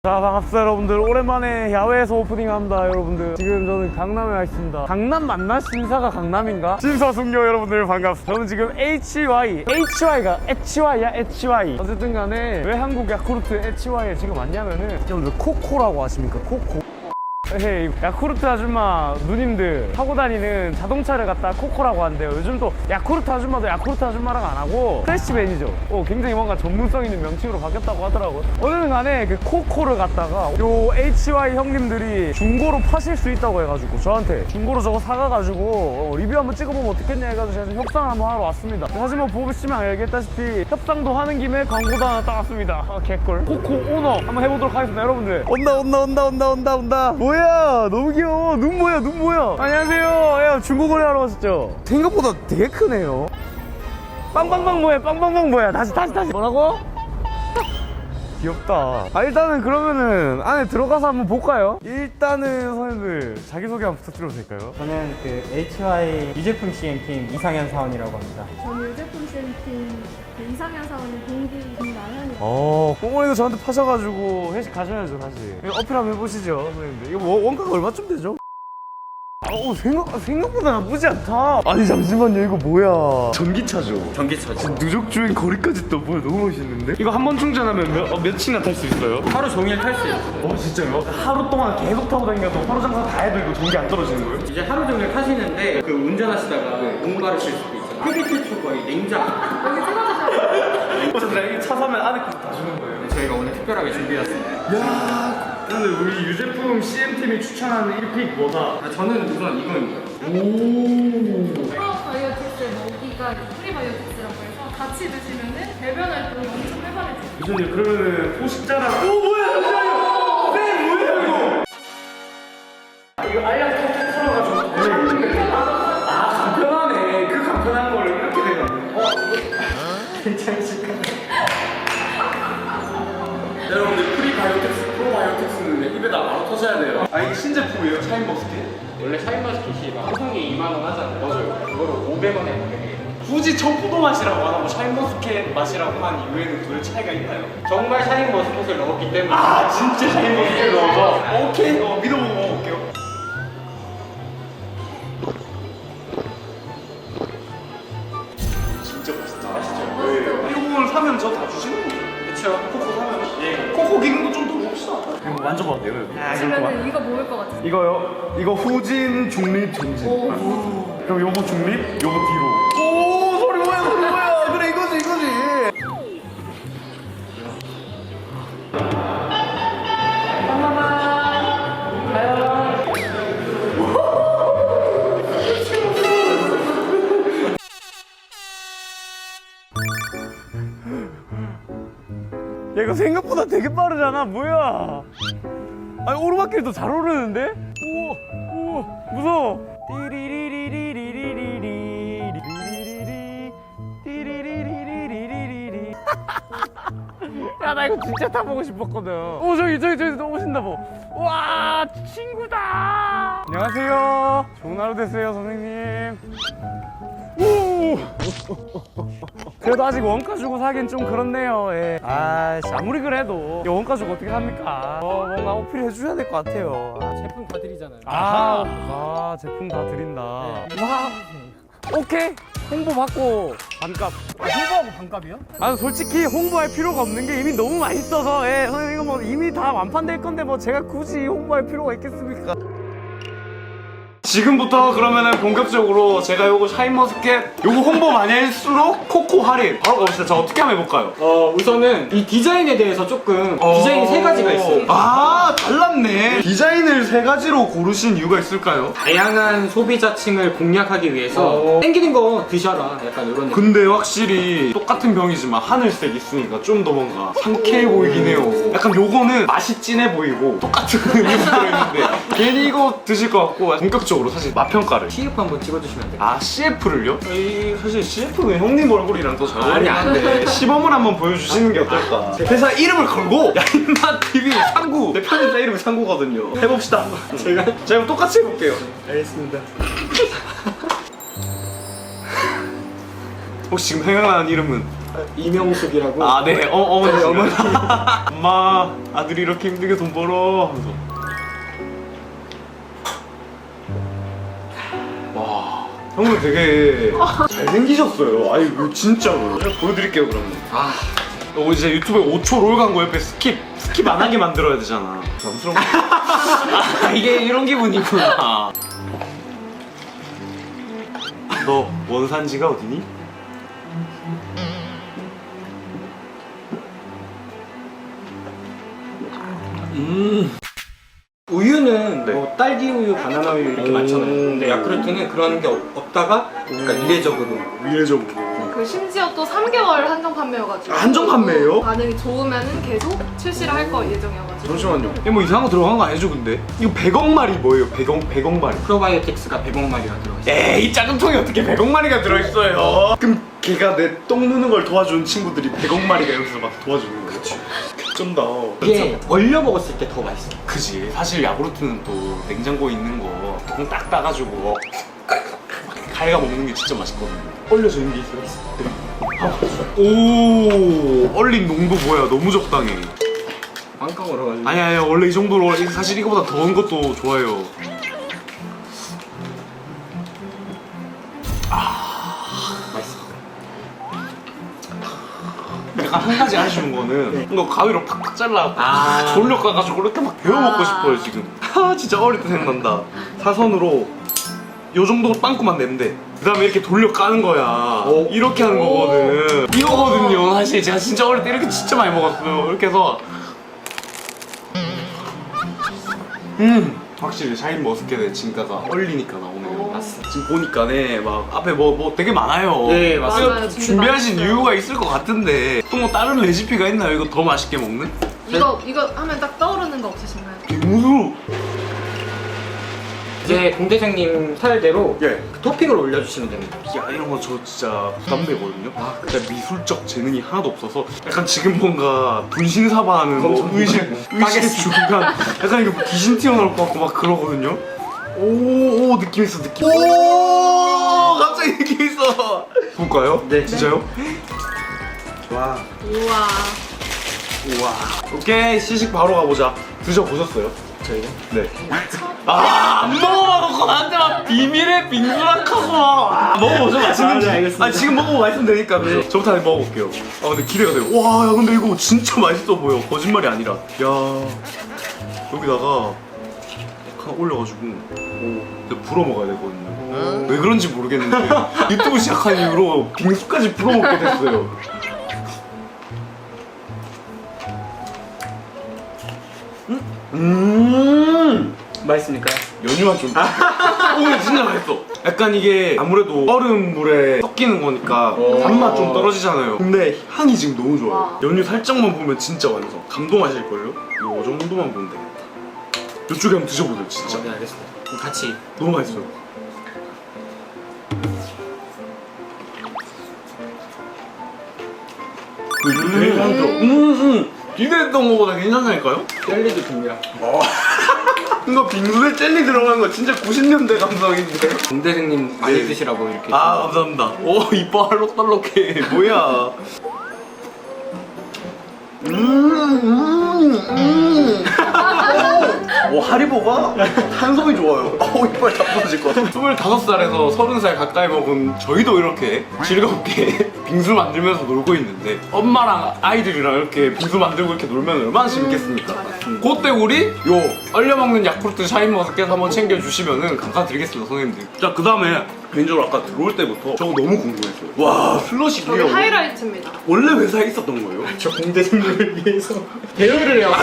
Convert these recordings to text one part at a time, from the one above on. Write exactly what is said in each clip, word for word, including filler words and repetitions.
자, 반갑습니다 여러분들. 오랜만에 야외에서 오프닝합니다 여러분들. 지금 저는 강남에 와 있습니다. 강남 맞나? 신사가 강남인가? 심사숙녀 여러분들 반갑습니다. 저는 지금 에이치와이 에이치와이가 에치와이야 에치와이 어쨌든 간에 왜 한국 야쿠르트 에치와이에 지금 왔냐면은 여러분들 코코라고 아십니까? 코코. 에이, 야쿠르트 아줌마 누님들 타고 다니는 자동차를 갖다 코코라고 하는데요. 요즘 또 야쿠르트 아줌마도 야쿠르트 아줌마랑 안 하고 프레시맨이죠. 어, 굉장히 뭔가 전문성 있는 명칭으로 바뀌었다고 하더라고요. 어느 간에 그 코코를 갖다가 요 에이치와이 형님들이 중고로 파실 수 있다고 해가지고 저한테 중고로 저거 사가가지고 어, 리뷰 한번 찍어보면 어떻겠냐 해가지고 제가 지금 협상을 한번 하러 왔습니다. 사실 뭐 보시면 알겠다시피 협상도 하는 김에 광고도 하나 따왔습니다. 아, 개꿀. 코코 오너 한번 해보도록 하겠습니다 여러분들. 온다 온다 온다 온다 온다 온다. 뭐야 너무 귀여워. 눈 뭐야 눈 뭐야. 안녕하세요. 야, 중고거래 하러 왔었죠? 생각보다 되게 크네요. 빵빵빵 뭐야 빵빵빵 뭐야. 다시 다시 다시 뭐라고? 귀엽다. 아, 일단은 그러면은 안에 들어가서 한번 볼까요? 일단은 선생님들 자기소개 한번 부탁드려도 될까요? 저는 그 에이치와이 유제품 씨엠팀 이상현 사원이라고 합니다. 저는 유제품 씨엠팀 그 이상현 사원의 동기 김나현이요. 어, 꽁꽁이도 저한테 파셔가지고 회식 가셔야죠 사실. 이거 어필 한번 해보시죠 선생님들. 이거 원- 원가가 얼마쯤 되죠? 어, 생각, 생각보다 나쁘지 않다. 아니 잠시만요, 이거 뭐야? 전기차죠? 전기차죠. 누적주행 거리까지 또 뭐야. 너무 멋있는데? 이거 한 번 충전하면 몇, 어, 몇이나 탈 수 있어요? 하루 종일 탈 수 있어요. 어, 진짜요? 하루 동안 계속 타고 다니면서 하루 장사 다 해도 이거 전기 안 떨어지는 거예요? 이제 하루 종일 타시는데 그 운전하시다가 공부를 실 수도 있잖아요. 흡입 최초 거의 냉장. 여기 찍어주세요. 어쨌든 이게 차 사면 안에 그거 다 주는 거예요? 저희가 오늘 특별하게 준비했습니다. 야, 근데 우리 유제품 씨엠팀이 추천하는 일 픽 뭐다? 아, 저는 우선 이거입니다. 오. 프로바이오틱스 먹이가 프리바이오틱스라고 해서 같이 드시면은 배변 활동이 엄청 활발해져요. 교수님 그러면은 포식자랑 오 뭐야 잠시만요. 네 뭐야 이거? 아, 이거 알약 톡톡 털어가지고. 아 간편하네. 그 간편한 거를 이렇게 되는. 어? 괜찮으실까요? 여러분들 프리바이오틱스, 프로바이오틱스는 입에다 바로 터셔야 돼요. 아 이게 신제품이에요? 샤인머스켓? 원래 샤인머스켓이 막 소송이 이만 원 하잖아요. 맞아요. 그거를 오백 원에 먹게. 굳이 청포도 맛이라고 안 하고 샤인머스켓 맛이라고 한 이유에는 도대체 차이가 있나요? 정말 샤인머스켓을 넣었기 때문에. 아 진짜 샤인머스켓 넣어서? 오케이 어, 믿어보고 먹어볼게요. 진짜 맛있다. 맛있죠? 네. 이거 오늘 사면 저 다 주시는 거죠? 그쵸. 코코 사면? 예. 코코 기능도 좀 더 봅시다. 이거 만져봐도 돼요? 드시면은 이거 먹을 것 같아요. 이거요? 이거 후진, 중립, 전진. 오. 그럼 요거 중립, 요거 뒤로. 오 소리 뭐야 소리 뭐야. 그래 이거지 이거지. 야 이거 생각보다 되게 빠르잖아. 뭐야? 아니 오르막길도 잘 오르는데? 우와 우와 무서워. 띠리리리리리리리리리리리리 띠리리리리리리리리. 야 나 이거 진짜 타보고 싶었거든. 오 저기 저기 저기 또 오신다 뭐. 와 친구다. 안녕하세요. 좋은 하루 되세요 선생님. 오! 그래도 아직 원가 주고 사긴 좀 그렇네요. 예. 아, 아무리 그래도 이 원가 주고 어떻게 삽니까? 어, 뭔가 어필 해주셔야 될 것 같아요. 아, 제품 다 드리잖아요. 아, 아, 제품 다 드린다. 와, 오케이. 홍보 받고 반값. 아, 홍보하고 반값이요? 아, 솔직히 홍보할 필요가 없는 게 이미 너무 맛있어서, 예, 선생님 이거 뭐 이미 다 완판될 건데 뭐 제가 굳이 홍보할 필요가 있겠습니까? 지금부터 그러면은 본격적으로 제가 요거 샤인머스켓 요거 홍보 많이 할수록 코코 할인 바로 가봅시다. 자 어떻게 한번 해볼까요? 어, 우선은 이 디자인에 대해서 조금 디자인이 세 가지가 있어요. 아 달랐네. 디자인을 세 가지로 고르신 이유가 있을까요? 다양한 소비자층을 공략하기 위해서 어. 땡기는 거 드셔라. 약간 이런 느낌. 근데 확실히 똑같은 병이지만 하늘색 있으니까 좀 더 뭔가 상쾌해 보이긴 해요. 약간 요거는 맛이 진해 보이고 똑같은 음료수 들어있는데 괜히 이거 드실 것 같고 본격적으로 사실 맛평가를 씨에프 한번 찍어주시면 돼요. 아 씨에프를요? 이 사실 씨에프는 형님 얼굴이랑 더 잘 어울리는데 아니, 안 돼. 시범을 한번 보여주시는 게 어떨까? 회사 이름을 걸고 야인맛 티비 상구 내 편집자 이름이 상구거든요. 해봅시다. 제가 제가 똑같이 해볼게요. 알겠습니다. 혹시 지금 생각나는 이름은? 이명숙이라고. 아, 네. 어, 어머니. 네, 어머니. 엄마, 아들이 이렇게 힘들게 돈 벌어. 하면서. 와, 형은 되게 잘생기셨어요. 아니, 이거 진짜로. 제가 보여드릴게요, 그러면. 아, 어, 이제 유튜브에 오 초 롤 광고 옆에 스킵, 스킵 안 하게 만들어야 되잖아. 부담스러워. 아, 이게 이런 기분이구나. 너 원산지가 어디니? 음. 우유는 네. 뭐 딸기 우유, 바나나 우유 이렇게 오. 많잖아요. 근데 야쿠르트는 그런 게 없, 없다가 그러니까 이례적으로. 미래적으로. 그 심지어 또 삼 개월 한정 판매여가지고 한정 판매예요? 반응이 좋으면은 계속 출시를 할 거 예정이어가지고. 잠시만요. 이거 뭐 이상한 거 들어간 거 아니죠, 근데? 이거 백억 마리 뭐예요? 백억, 백억 마리. 프로바이오틱스가 백억 마리가 들어있어요. 에이, 작은 통에 어떻게 백억 마리가 들어있어요? 그럼 걔가 내 똥 누는 걸 도와준 친구들이 백억 마리가 여기서 막 도와주는 거야. 그치. 개쩐다. 이게 얼려 먹었을 때 더 맛있어. 그지. 사실 야구르트는 또 냉장고에 있는 거 뚜껑 딱 따가지고 갈가 먹는 게 진짜 맛있거든요. 얼려져 있는 게 있어요. 오, 얼린 농도 뭐야? 너무 적당해. 빵빵 얼어가지고. 아니 아니 원래 이 정도로 사실 이거보다 더운 것도 좋아요. 맛있어. 약간 한 가지 아쉬운 거는 이거 가위로 팍팍 잘라 아. 돌려 까가지고 이렇게 막 데워 먹고 아. 싶어요 지금. 아 진짜 어릴 때 생각난다. 사선으로 요 정도 빵꾸만 내면 돼. 그 다음에 이렇게 돌려 까는 거야. 오. 이렇게 하는 거거든. 이거거든요. 사실 제가 진짜 어릴 때 이렇게 진짜 많이 먹었어요. 이렇게 해서 음 확실히 샤인 머스켓의 진가가 얼리니까 나오네요. 맞습니다. 지금 보니까네 막 앞에 뭐 뭐 되게 많아요. 네, 맞아요. 그래서 진짜 준비하신 맛있어요. 이유가 있을 것 같은데 또 뭐 다른 레시피가 있나요? 이거 더 맛있게 먹는? 이거 이거 하면 딱 떠오르는 거 없으신가요? 빙수. 이제 공대장님 스타일대로 예. 그 토핑을 올려주시면 됩니다. 야 이런 거 저 진짜 부담되거든요. 아 근데 미술적 재능이 하나도 없어서 약간 지금 뭔가 분신사바하는 뭐 의식 의식의 중간 약간 이거 귀신 튀어나올 것 같고 막 그러거든요. 오오 느낌 있어 느낌. 오 갑자기 느낌 있어. 볼까요? 네. 진짜요? 와. 우와. 우와. 오케이 시식 바로 가보자. 드셔 보셨어요? 저희가? 네. 아, 안 먹어봐놓고 나한테 막 비밀의 빙수랑 카고 막. 아, 먹어보죠, 맛있는지. 아, 네, 알겠습니다. 아니, 지금 먹어보고 말씀 되니까. 네. 저부터 한번 먹어볼게요. 아, 근데 기대가 돼요. 와, 야, 근데 이거 진짜 맛있어 보여. 거짓말이 아니라. 야, 여기다가 하나 올려가지고. 오, 불어 먹어야 되거든요. 왜 그런지 모르겠는데. 유튜브 시작한 이후로 빙수까지 불어 먹게 됐어요. 음! 맛있습니까? 연유가 좀. 오, 진짜 맛있어. 약간 이게 아무래도 얼음물에 섞이는 거니까 오. 단맛 좀 떨어지잖아요. 근데 향이 지금 너무 좋아요. 와. 연유 살짝만 보면 진짜 완성. 감동하실걸요? 이 정도만 보면 되겠다. 이쪽에 한번 드셔보세요, 진짜. 네, 알겠습니다. 그럼 같이. 너무 맛있어요. 그 되게 향도. 음, 음. 기대했던 거보다 괜찮다니까요? 젤리도 듭니다. 이거 빙수에 젤리 들어간 거 진짜 구십 년대 감성인데. 공대장님 많이 네. 드시라고 이렇게. 아 감사합니다. 오 이뻐 알록달록해. 뭐야? 음, 음, 음. 오, 오 하리보가 탄성이 좋아요. 오 이빨 다 부러질 것 같아. 스물다섯 살에서 서른 살 가까이 먹은 저희도 이렇게 즐겁게 빙수 만들면서 놀고 있는데 엄마랑 아이들이랑 이렇게 빙수 만들고 이렇게 놀면 얼마나 재밌겠습니까? 맞아요. 그때 우리 요 얼려 먹는 야쿠르트 샤인머스켓 한번 챙겨주시면은 감사드리겠습니다, 선생님들. 자, 그 다음에 개인적으로 아까 들어올 때부터 저거 너무 궁금했어요. 와, 슬러시 저게 이게 하이라이트입니다. 원래 회사에 있었던 거예요? 저 공대생님을 위해서 대여를 해요.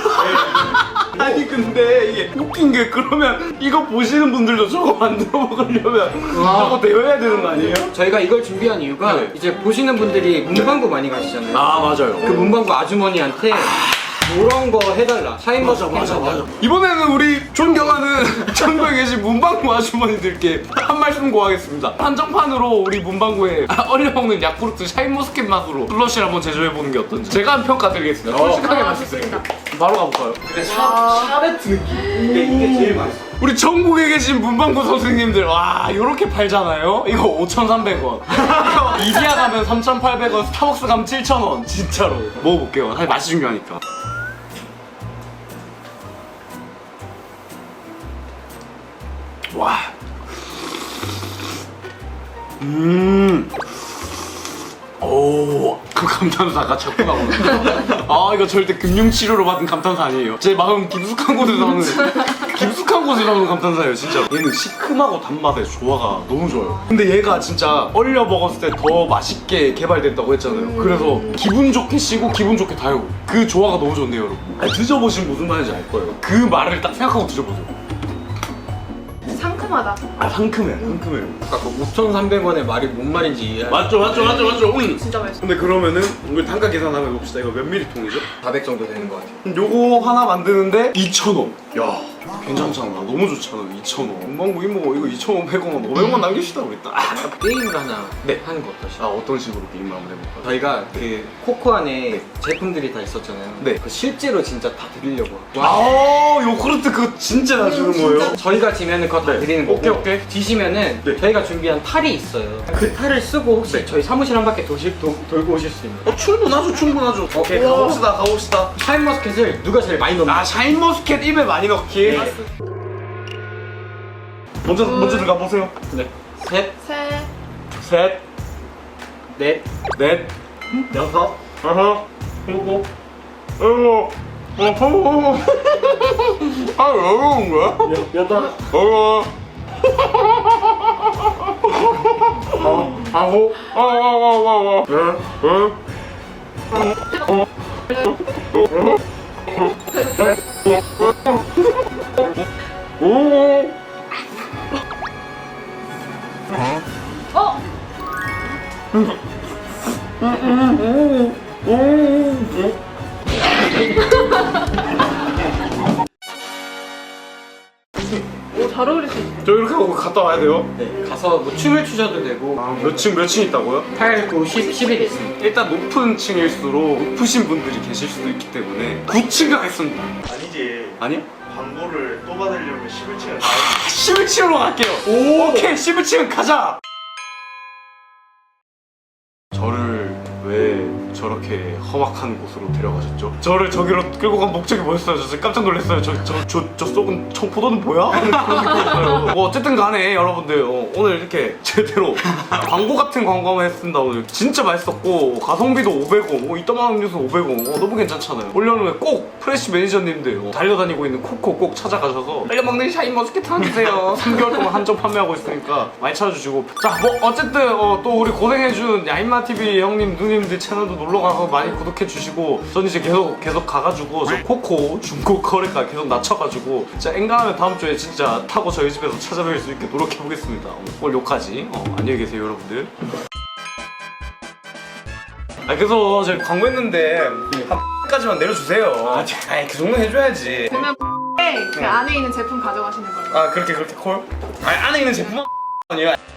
아니 근데 이게 웃긴 게 그러면 이거 보시는 분들도 저거 만들어 먹으려면 저거 대여해야 되는 거 아니에요? 저희가 이걸 준비한 이유가 네. 이제 보시는 분들이 문방구 많이 가시잖아요. 아 맞아요. 그 문방구 아주머니한테 이런 거 해달라. 샤인머스켓 해달라. 이번에는 우리 존경하는 전국에 계신 문방구 아주머니들께 한 말씀 구하겠습니다. 한정판으로 우리 문방구에 얼려 먹는 야쿠르트 샤인머스켓 맛으로 슬러시를 한번 제조해보는 게 어떤지 제가 한 평가 드리겠습니다. 솔직하게 아, 맛있어요. 좋습니다. 바로 가볼까요? 와. 샤베트 느낌. 이게, 이게 제일 맛있어. 우리 전국에 계신 문방구 선생님들 와 요렇게 팔잖아요. 이거 오천삼백 원. 이거 이디야 가면 삼천팔백 원, 스타벅스 가면 칠천 원. 진짜로. 먹어볼게요. 사실 맛이 중요하니까. 와. 음. 오, 그 감탄사가 자꾸 나오네. 아, 이거 절대 금융치료로 받은 감탄사 아니에요. 제 마음 깊숙한 곳에서 나오는, 깊숙한 곳에서 나오는 감탄사예요, 진짜. 얘는 시큼하고 단맛의 조화가 너무 좋아요. 근데 얘가 진짜 얼려 먹었을 때 더 맛있게 개발됐다고 했잖아요. 그래서 기분 좋게 쉬고 기분 좋게 달고 그 조화가 너무 좋네요, 여러분. 아니, 드셔보시면 무슨 말인지 알 거예요. 그 말을 딱 생각하고 드셔보세요. 상큼하다. 아, 상큼해, 상큼해요. 아까 그 오천삼백 원의 말이 뭔 말인지 이해. 맞죠, 맞죠, 맞죠, 맞죠. 음. 진짜 맛있어. 근데 그러면은 우리 단가 계산 한번 해봅시다. 이거 몇 밀리통이죠? 사백 정도 되는 것 같아요. 요거 하나 만드는데 이천 원. 야, 괜찮잖아. 너무 좋잖아. 이천 원. 문방구 이모 이거 이천오백 원, 오백 원 남깁시다 우리 딱. 게임을 하나 네. 하는 거 어떠시죠? 아, 어떤 식으로 게임을 한번 해볼까요? 저희가 그 코코 안에 제품들이 다 있었잖아요. 네. 그 실제로 진짜 다 드리려고. 아, 요구르트 그거 진짜 다 주는 거예요? 저희가 지면은 그거 다 네. 드리는 거고. 오케이, 오케이. 지시면은 네. 저희가 준비한 탈이 있어요. 그 탈을 쓰고 혹시 네. 저희 사무실 한 바퀴 도시, 도, 돌고 오실 수 있는. 어, 충분하죠, 충분하죠. 오케이, 우와. 가봅시다, 가봅시다. 샤인머스켓을 누가 제일 많이 넣나? 아, 샤인머스켓 입에 많이 넣기. 네. 먼저, 먼저 들어가 보세요. 네. 셋, 새. 셋, 넷, 넷, 여섯, 여섯, 일곱, 일곱, 어허. 아, 왜 그런 거야? 여덟, 어허. 어, 아홉, 어, 어, 어, 어, 어. 네, 네. 오. 어? 오, 잘 어울릴 수 있네. 저 이렇게 하고 갔다 와야 돼요? 네. 가서 뭐 춤을 추셔도 되고. 아, 몇 층, 몇 층 있다고요? 팔, 구, 십, 십일 있습니다. 일단 높은 층일수록 높으신 분들이 계실 수도 있기 때문에 구 층 가겠습니다. 아니지. 아니요? 광고를 또 받으려면 십일 층을 십일 층으로 갈게요. 오, 오케이, 십일 층 가자. 저를 왜 저렇게 험악한 곳으로 데려가셨죠? 저를 저기로 끌고 간 목적이 뭐였어요? 저 진짜 깜짝 놀랐어요. 저 저 저 저 썩은 청포도는 뭐야? 하는 그런 느낌이었어요. 뭐 어쨌든 간에 여러분들 어, 오늘 이렇게 제대로 광고 같은 광고 한번 했습니다. 오늘 진짜 맛있었고 가성비도 오백 원, 뭐 이따만한 음료수 오백 원, 어, 너무 괜찮잖아요. 올여름에 꼭 프레시 매니저님들 어, 달려다니고 있는 코코 꼭 찾아가셔서 빨리 먹는 샤인머스켓 하나 주세요. 삼 개월 동안 한점 판매하고 있으니까 많이 찾아주시고 자 뭐 어쨌든 어, 또 우리 고생해준 야인마티비 형님 누님들 채널도 놀러가서 많이 구독해주시고 전 이제 계속 계속 가가지고 저 코코 중고 거래가 계속 낮춰가지고 진짜 엔간하면 다음 주에 진짜 타고 저희 집에서 찾아뵐 수 있게 노력해보겠습니다. 오늘 여기까지 어, 안녕히 계세요 여러분들. 아 그래서 저희 광고했는데 한 까지만 내려주세요. 아, 아이 그 정도 해줘야지. 그러면 그 안에 있는 제품 가져가시는 걸로. 아 그렇게 그렇게 콜? 아니 안에 있는 제품 아니에요.